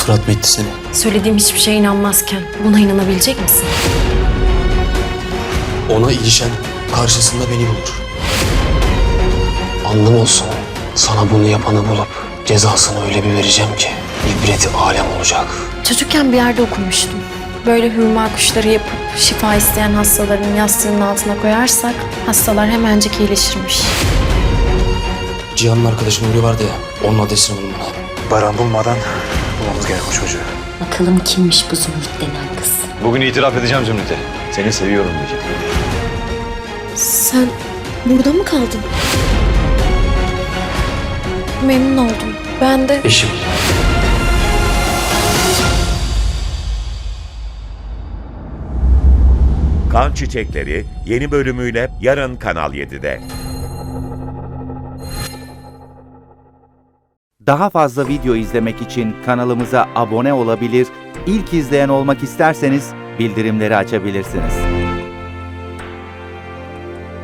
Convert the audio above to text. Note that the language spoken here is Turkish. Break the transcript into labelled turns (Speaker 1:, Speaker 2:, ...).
Speaker 1: Fırat mı etti seni?
Speaker 2: Söylediğim hiçbir şeye inanmazken buna inanabilecek misin?
Speaker 1: Ona ilişen karşısında beni bulur. Anlam olsun. Sana bunu yapanı bulup cezasını öyle bir vereceğim ki ibreti alem olacak.
Speaker 2: Çocukken bir yerde okumuştum. Böyle hurma kuşları yapıp şifa isteyen hastaların yastığının altına koyarsak hastalar hemencik iyileşirmiş.
Speaker 1: Cihan'ın arkadaşı Nuri vardı ya, onun adresini bulun bana.
Speaker 3: Baran bulmadan bulmamız gerek o çocuğu.
Speaker 4: Bakalım kimmiş bu Zümrüt denen kız.
Speaker 3: Bugün itiraf edeceğim Zümrüt'e. Seni seviyorum diyeceğim.
Speaker 2: Sen burada mı kaldın? Memnun oldum. Ben de...
Speaker 1: Eşim.
Speaker 5: Kan Çiçekleri yeni bölümüyle yarın Kanal 7'de.
Speaker 6: Daha fazla video izlemek için kanalımıza abone olabilir, ilk izleyen olmak isterseniz bildirimleri açabilirsiniz.